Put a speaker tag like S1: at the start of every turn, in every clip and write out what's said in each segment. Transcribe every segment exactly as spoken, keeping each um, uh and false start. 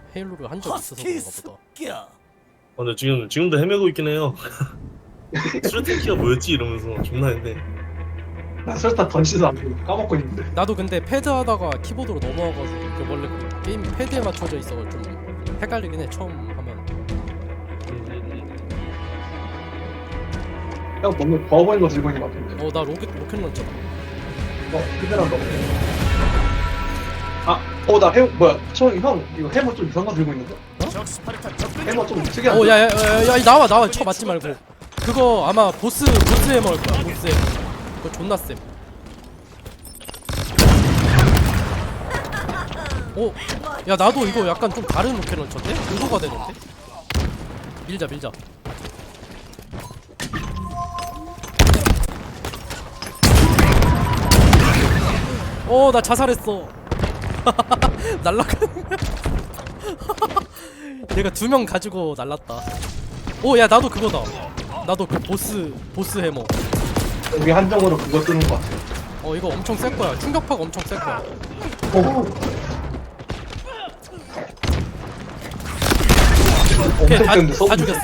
S1: 헤일로를 한 적 있어서 그런가 보다.
S2: 아, 근데 지금 지금도 헤매고 있긴 해요. 수류탄 키가 뭐였지 이러면서 존나 했네.
S3: 나 설탕 던지도 안 되고 까먹고 있는데.
S1: 나도 근데 패드 하다가 키보드로 넘어와가지고 그 원래 그 게임 패드에 맞춰져 있어서 좀 헷갈리긴 해 처음 하면.
S3: 형 너무 더워 보이는 거 들고 있는 거 같은데.
S1: 어 나 로켓 로켓 런처다.
S3: 어 그대랑 너무. 아, 어 나 해머 뭐야? 저형 이거 해머 좀 이상한 거 들고 있는데? 해머 좀 특이한데.
S1: 어 야야야야 나와 나와 쳐 맞지 말고. 그거 아마 보스 보스 해머일 거야 보스 해머. 그거 존나 쌤. 오, 야 나도 이거 약간 좀 다른 로켓 런처인데? 의도가 되는데? 밀자 밀자. 오, 나 자살했어. 날라가는 거야. 내가 두 명 가지고 날랐다. 오, 야 나도 그거다. 나도 그 보스 보스 해머.
S3: 여기 한정으로 그거 쓰는 거 같아.
S1: 어 이거 엄청 셀 거야. 충격파가 엄청 셀 거야.
S3: 오.
S1: 오케이,
S3: 엄청
S1: 다,
S3: 센데
S1: 다
S3: 써보니까.
S1: 죽였어.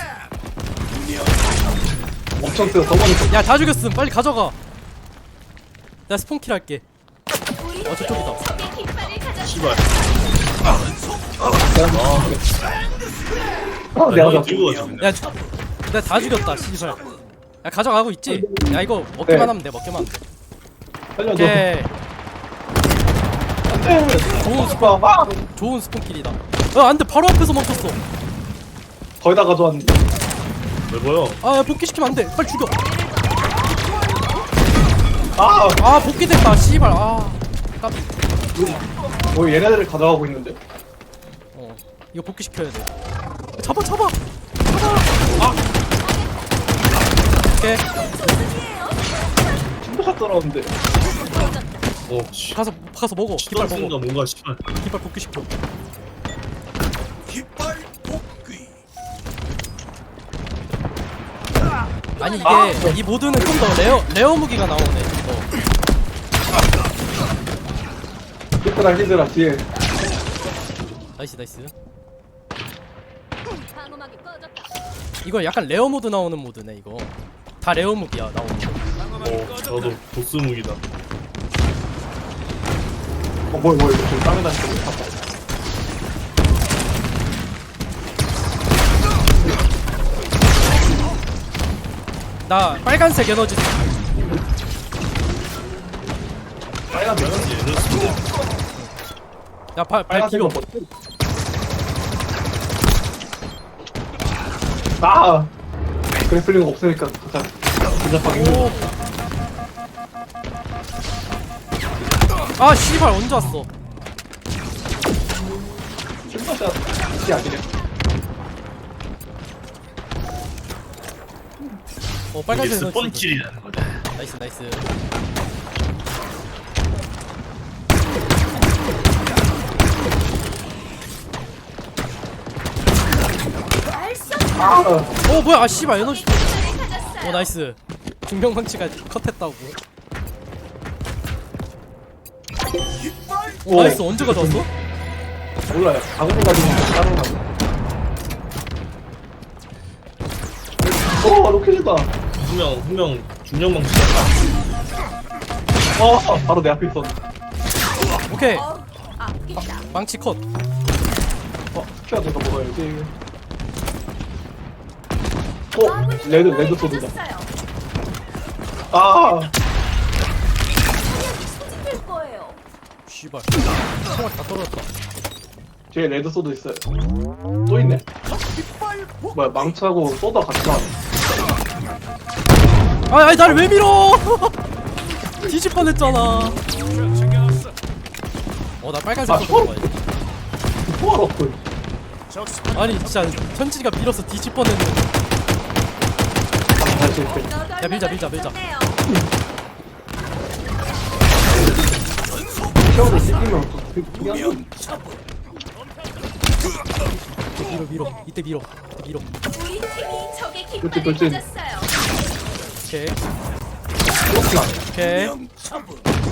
S3: 엄청 세서 써보니까.
S1: 야 다 죽였음. 빨리 가져가. 나 스폰킬 할게. 어 저쪽이다.
S2: 씨발.
S3: 아, 내가
S2: 아,
S3: 잡.
S2: 들고 가자.
S1: 야, 저- 내가 다 죽였다. 씨발. 야 가져가고 있지? 야 이거 먹기만
S3: 네.
S1: 하면 돼. 먹기만 하면 돼.
S3: 살려줘.
S1: 오케이. 좋은
S3: 스파. 아,
S1: 좋은 스폰킬이다. 어 안돼. 바로 앞에서 멈췄어.
S3: 거의 다 가져왔는데.
S2: 왜 보여?
S1: 아 야, 복귀시키면 안돼. 빨리 죽여.
S3: 아,
S1: 아 복귀됐다. 씨발. 아 까비.
S3: 뭐 얘네들을 가져가고 있는데.
S1: 어 이거 복귀시켜야 돼. 잡아 잡아 잡아. 아 오케이.
S3: 친구가 떨어졌는데.
S2: 어, 씨.
S1: 가서 가서 먹어. 깃발
S2: 시간
S1: 먹어.
S2: 쓰는가 뭔가 씨발.
S1: 깃발 복귀시켜. 아니 이게
S3: 아!
S1: 이 모드는 좀 더 레어 레어 무기가 나오네. 어.
S3: 히드라 히드라 뒤에.
S1: 나이스 나이스.
S4: 방어막이 꺼졌다.
S1: 이거 약간 레어 모드 나오는 모드네 이거. 다 레어 무기야 나오는 거.
S2: 어, 저도 보스 무기다.
S3: 어, 뭘, 뭘, 지금 땅에 다니고 있어.
S1: 나 빨간색 에너지.
S3: 빨간 면
S1: 야발발
S3: 빨간색
S1: 길어.
S3: 거 뭐지? 아! 그래플링 없으니까 진짜 진짜 힘들어.
S1: 오. 아 씨발 언제 왔어?
S3: 진짜 이 아니네.
S1: 어
S2: 이게
S1: 빨간색 에너지.
S2: 스폰킬이라는 거다.
S1: 나이스 나이스.
S3: 아!
S1: 어 뭐야 아 씨발 에너지. 어 나이스. 중병방치가 컷했다고. 오 나이스. 언제 가져왔어?
S3: 몰라요. 아무리 가지고 다른 거. 어, 로켓이다.
S2: 분명 분명 중량 방식.
S3: 어, 바로 내 앞에 있어.
S1: 오케이.
S4: 아프겠다.
S1: 망치 컷.
S3: 어, 키가 내가 먹어야지. 어, 레드, 레드 소드다. 아!
S4: 될 거예요.
S1: 씨발. 총알 다 떨어졌다.
S3: 뒤에 레드 소드 있어요. 또 있네. 뭐야, 망치하고 소다 같이 나왔네.
S1: 아 아니 나를 왜 밀어? 뒤질 뻔했잖아. 어 나 빨간색
S3: 아,
S1: 거
S3: 헐.
S1: 먹어야지.
S3: 포알 없군.
S1: 아니 진짜 현진이가 밀어서 뒤질 뻔했는데.
S3: 다시 이렇게.
S1: 야 밀자 밀자 밀자.
S3: 키워도 씹히면 또 되게 특이한
S1: 이때 밀어 밀어. 이때 밀어. 이때 밀어.
S4: 우리 팀이 적의
S3: 그렇지,
S4: 깃발을
S3: 그렇지.
S4: 가졌어요.
S1: 오케이.
S3: 이렇게 안 해.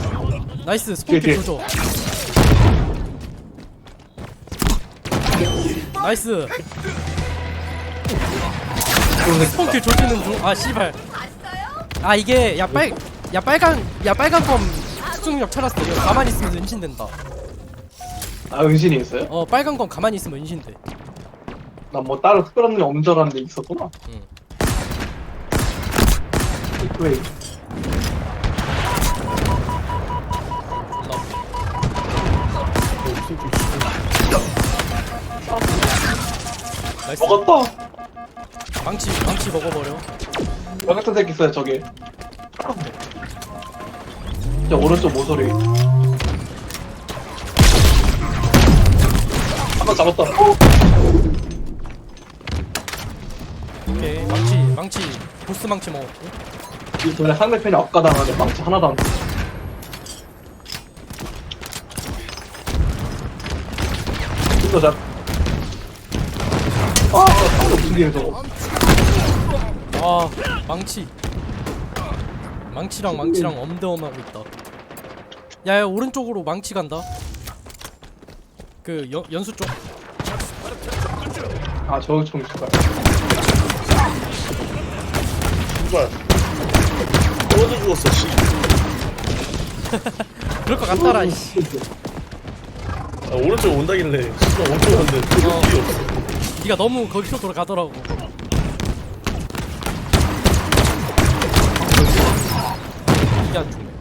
S1: 오케이. 나이스
S3: 뒤에,
S1: 스폰킬
S3: 뒤에.
S1: 조져. 나이스.
S3: 그런 거
S1: 스폰킬 조지는 중. 아 씨발.
S4: 봤어요?
S1: 아 이게 야 빨 야 빨간 야 빨간 검 특수능력 찾았어. 이거 가만히 있으면 은신된다.
S3: 아 은신이 있어요?
S1: 어 빨간 검 가만히 있으면 은신돼.
S3: 나 뭐 따로 특별한 일 없는 줄 알았는데 있었구나.
S1: 응.
S3: 왜?
S1: 나이스.
S3: 먹었다.
S1: 망치 망치 먹어버려.
S3: 저 같은 새끼 있어요 저기. 저 오른쪽 모서리. 한번 잡았다. 어?
S1: 오케이 망치 망치 보스 망치 먹었고.
S3: 이 전에 상대편이 억가당하네. 망치 하나도 안 돼. 이거 잡. 아, 상대 무슨 일이야 저거.
S1: 아 망치 망치랑 망치랑 엄대엄하고 있다. 야야 오른쪽으로 망치 간다. 그 연, 연수 쪽.
S3: 아, 저기 좀 있을까.
S2: 누가 떨어져 죽었어 씨.
S1: 그럴 것 같더라. 이씨.
S2: 아, 오른쪽 온다길래 진짜 오른쪽 왔는데
S1: 어.
S2: 길이 없어.
S1: 네가 너무 거기로 돌아가더라고. 이게 안 죽네.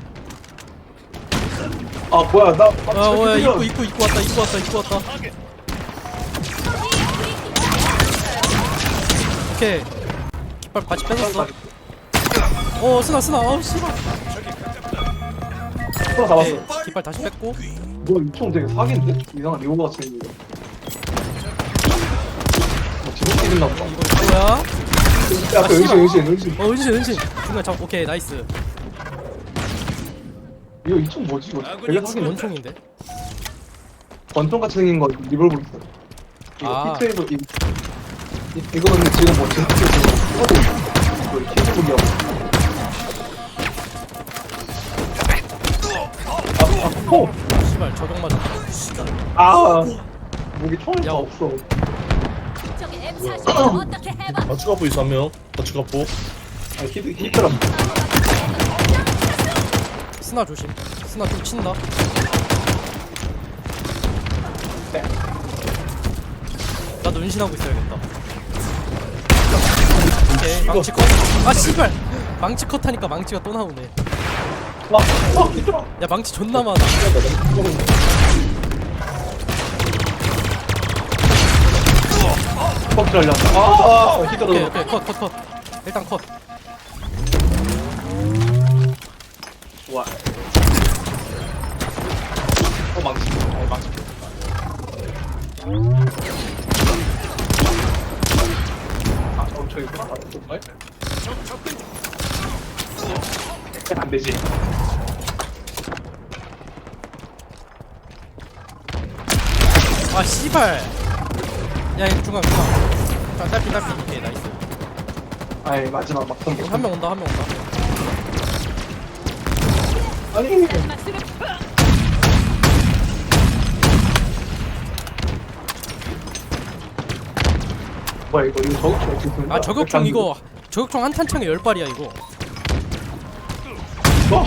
S3: 아, 뭐야, 나.
S1: 아 뭐야 입구 입구 입구 왔다 입구 왔다 입구 왔다. 오케이. 깃발 바지 뺏었어. 어 스나 스나. 어 씨발.
S3: 하나 잡았어.
S1: 오케이. 깃발 다시 뺐고.
S3: 뭐, 이총 되게 사기인데? 이상한 리오가 같이 생긴 거. 뭐, 지금 생긴다 보다.
S1: 이거 뭐야?
S3: 야, 그 은신, 은신, 은신.
S1: 어 은신 은신. 중간 잡. 오케이 나이스.
S3: 이거 이총 뭐지? 이거 되게
S1: 이게
S3: 사기인데?
S1: 원총인데.
S3: 권총 같이 생긴 거 리볼버 있어. 이거
S1: 아.
S3: 피트웨이브, 이, 이, 이거는 지금 뭐, 지금 하고 있어. 이거 키즈북이야. 아, 아, 포!
S1: 씨발 저격 맞았다.
S3: 아, 목이 총이
S1: 야.
S3: 다 없어.
S4: 저기 엠 사십 어떻게 해봐?
S2: 좌측 갑부 있어 한명 좌측 갑부.
S3: 아, 히트, 히트라.
S1: 스나 조심. 스나 좀 친다.
S3: 네.
S1: 나도 은신하고 있어야겠다. 오케이 망치 컷. 아 씨발. 망치 컷 하니까 망치가 또 나오네.
S3: 와, 어, 히트라.
S1: 야 망치 존나 많아.
S3: 퍽 잘렸다. 아,
S1: 오케이
S3: 히트라.
S1: 오케이 컷 컷 컷. 일단 컷.
S3: 좋아. 어, 망치. 어, 망치. 아, 저, 저기, 아, 정말? 안 되지.
S1: 아 씨발. 야 이거 중간 중간. 자 딸피 딸피. 오케이 나이스.
S3: 아이, 마지막 막상
S1: 한 명 온다 한 명 온다.
S3: 아니, 뭐야, 이거, 이거 저격총 어떻게 쓰는 거야?
S1: 아 저격총 이거 저격총 한 탄창에 열 발이야 이거.
S3: 뭐?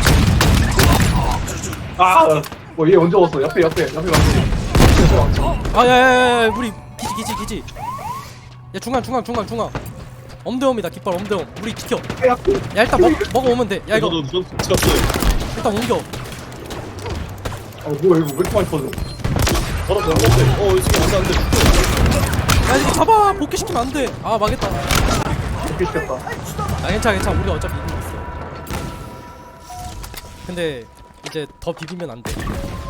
S3: 아, 뭐, 얘 언제 왔어? 옆에, 옆에, 옆에 왔어.
S1: 아 야야야 우리 기지 기지 기지. 야 중간 중간 중간 중간. 엄대엄이다 깃발 엄대엄. 우리 지켜.
S3: 야,
S1: 야 일단 먹 먹어오면 돼. 야 이거
S2: 저도 저 잡았어요.
S1: 일단 옮겨.
S3: 어, 뭐야, 이거 왜 이렇게 많이 터져?
S2: 바로 잡았는데 어 이승이 안돼 안돼.
S1: 야 이거 잡아. 복귀시키면 안 돼. 아 망했다.
S3: 이렇게 시켰다.
S1: 아 괜찮아 괜찮아. 우리 어차피 이기고 있어. 근데 이제 더 비비면 안 돼.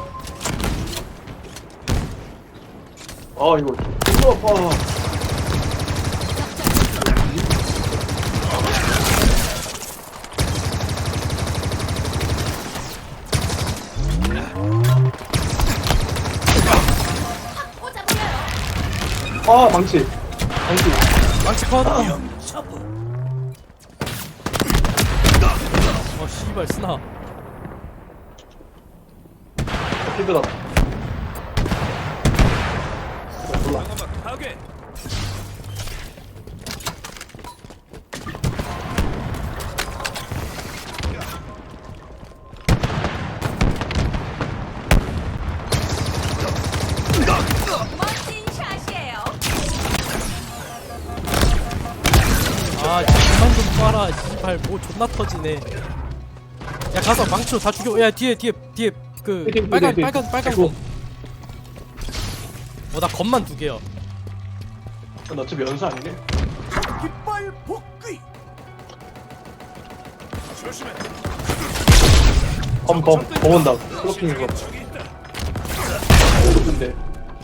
S3: 아, 이거, 이거, 아. 아, 망치. 망치.
S1: 망치 컷. 어 씨발 스나.
S3: 히드라. 몰라.
S4: 멋진 샷이에요.
S1: 아 그만 좀 쏴라 씨발 뭐 존나 터지네. 야 가서 망치로 다 죽여. 야 뒤에 뒤에 뒤에 그
S3: 뒤에, 뒤에,
S1: 빨간
S3: 뒤에.
S1: 빨간 빨간
S3: 아이고.
S1: 거. 어나 검만 두 개야.
S3: 너 어차피 연수 아니네. 검, 검, 검 온다. 클로핑 이거. 근데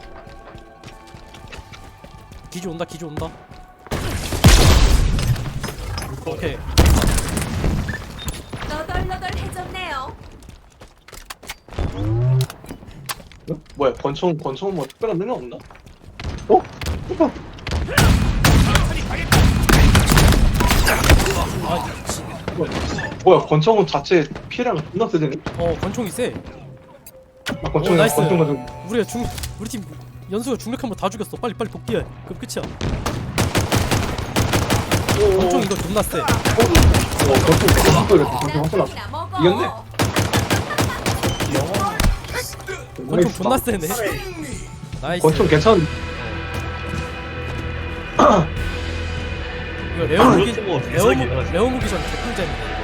S1: 기지 온다 기지 온다. 오케이.
S4: 너덜너덜해졌네요.
S3: 어? 뭐야? 권총, 권총 뭐 특별한 능력 없나? 어? 잠깐.
S1: 아 미친.
S3: 뭐야? 뭐야? 권총은 자체 피해량 존나 세지네.
S1: 어 권총이 세.
S3: 아, 권총,
S1: 오, 나이스.
S3: 권총 가지고.
S1: 우리가 중 우리 팀 연수가 중력 한번 다 죽였어. 빨리 빨리 복귀해. 그럼 끝이야. 권총 이거 존나 세.
S3: 어, 권총, 권총 이랬어. 권총 확실하.
S4: 남편이나 먹어.
S3: 이겼네.
S1: 권총 존나 세네. 나이스.
S3: 권총 괜찮은.
S1: 이거 레오 무기
S2: 이거 뭐
S1: 레오 무
S2: 비싸긴 하지.
S1: 레오 무기 전 개꿀잼이네.